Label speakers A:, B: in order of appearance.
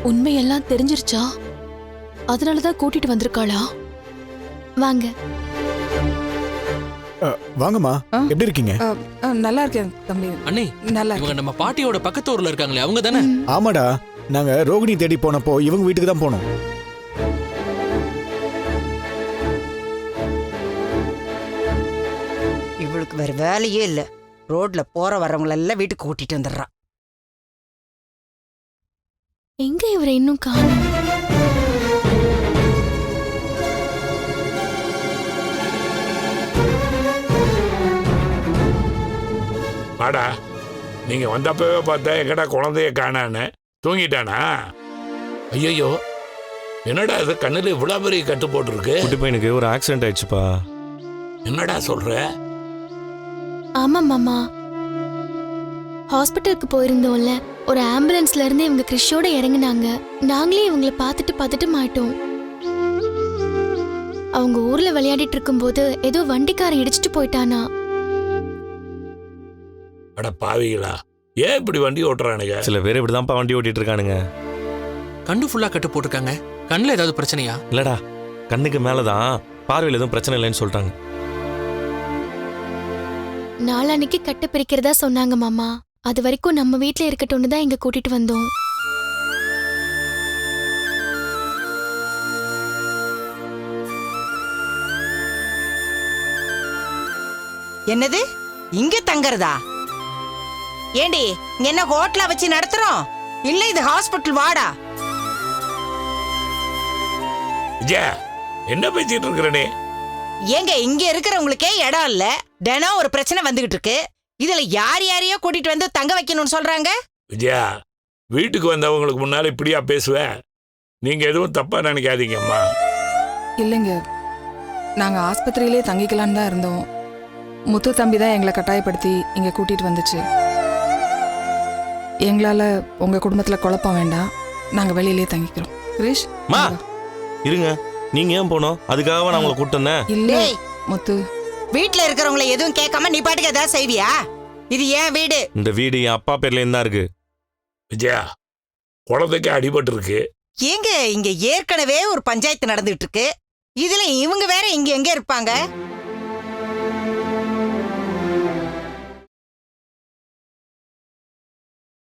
A: உண்மையெல்லாம் தெரிஞ்சிருச்சா? அதனாலதான் கூட்டிட்டு வந்திருக்காளா? வாங்க.
B: வாங்கம்மா, எப்படி இருக்கீங்க?
C: நல்லா இருக்கேன் தம்பி.
D: அண்ணே,
C: நல்லா
D: இவங்க நம்ம பாட்டியோட பக்கத்து ஊர்ல இருக்காங்களே, அவங்க தானே?
B: ஆமாடா, நாங்க ரோகிணி தேடி போனப்போ இவங்க வீட்டுக்கு தான் போனோம்.
E: இவளுக்கு வேற வேலையே இல்ல. ரோட்ல போற வரவங்களெல்லாம் வீட்டுக்கு கூட்டிட்டு வந்துடுறான்.
A: எங்க இவரை இன்னும் காணோம்?
F: வாடா, நீங்க வந்தப்பவே பார்த்தா எங்கடா குழந்தைய காணான்னு. தூங்கிட்டானா? ஐயோ, என்னடா இது கண்ணுல இவ்வளவு பெரிய கட்டு போட்டுருக்கு?
G: குட்டி பையனுக்கு ஒரு ஆக்சிடென்ட் ஆயிடுச்சுப்பா.
F: என்னடா சொல்ற?
A: ஆமா மாமா, ஹாஸ்பிட்டலுக்கு போயிருந்தோம்ல, ஒரு ஆம்புலன்ஸ்ல இருந்து இவங்க கிறிஷோட இறங்குனாங்க. நாங்களே இவங்கள பார்த்துட்டு மாட்டோம். அவங்க ஊர்ல விளையாடிட்டு இருக்கும்போது ஏதோ வண்டிக்காரன் இடிச்சிட்டு போயிட்டானா.
F: அட பாவிகளா, ஏன் இப்படி வண்டி ஓட்டுறானுங்க?
G: சில பேர் இப்படிதான்ப்பா வண்டி ஓட்டிட்டு இருக்கானுங்க.
D: கண்ணு ஃபுல்லா கட்டு போட்டிருக்காங்க. கண்ணுல ஏதாவது பிரச்சனையா?
G: இல்லடா, கண்ணுக்கு மேலதான், பார்வையில் எதுவும் பிரச்சனை இல்லைன்னு சொல்லிட்டாங்க.
A: நாளான்னைக்கு கட்டு பிரிக்கிறதா சொன்னாங்க மாமா. அது வரைக்கும் நம்ம வீட்ல இருக்கட்டும்னு தான் இங்க கூட்டிட்டு வந்தோம்.
E: என்னது இங்க தங்கறதா? ஏண்டி, இங்க என்ன ஹோட்டலா வச்சு நடத்துறோம்? இல்ல இது ஹாஸ்பிட்டல் வாடா.
F: விஜயா, என்ன பேசிட்டு இருக்கிறனே?
E: ஏங்க, இங்க இருக்கிறவங்களுக்கே இடம் இல்ல. தினம் ஒரு பிரச்சனை வந்துகிட்டு இருக்கு. இதுல யார் யாரையோ கூட்டிட்டு வந்து தங்க வைக்கணும்னு சொல்றாங்க.
F: விஜயா, வீட்டுக்கு வந்தவங்களுக்கு முன்னால இப்படியா பேசுவ? நீங்க எதுவும் தப்பா நினைக்காதீங்கம்மா.
C: இல்லைங்க, நாங்க ஆஸ்பத்திரியிலே தங்கிக்கலான்னு தான் இருந்தோம். முத்து தம்பி தான் எங்களை கட்டாயப்படுத்தி இங்க கூட்டிட்டு வந்துச்சு. எங்களால உங்க குடும்பத்துல குழப்பம் வேண்டாம், நாங்க வெளியிலே தங்கிக்கிறோம். கிரீஷ்,
G: மா இருங்க, நீங்க ஏன் போனோம்? அதுக்காக நான் உங்களை கூப்பிட்டு வந்தேன்.
C: இல்ல
E: டேய்,
C: முத்து,
E: வீட்டுல இருக்கிறவங்களை எதுவும் கேட்காம நீ பாட்டுக்கு ஏதாவது செய்வியா? இது ஏன் வீடு.
G: இந்த வீடு என் அப்பா பேர்ல இருந்தா இருக்கு.
F: விஜயா, குழந்தைக்கு அடிபட்டு இருக்கு.
E: ஏங்க, இங்க ஏற்கனவே ஒரு பஞ்சாயத்து நடந்துட்டு இருக்கு. இதுல இவங்க வேற இங்க எங்க இருப்பாங்க?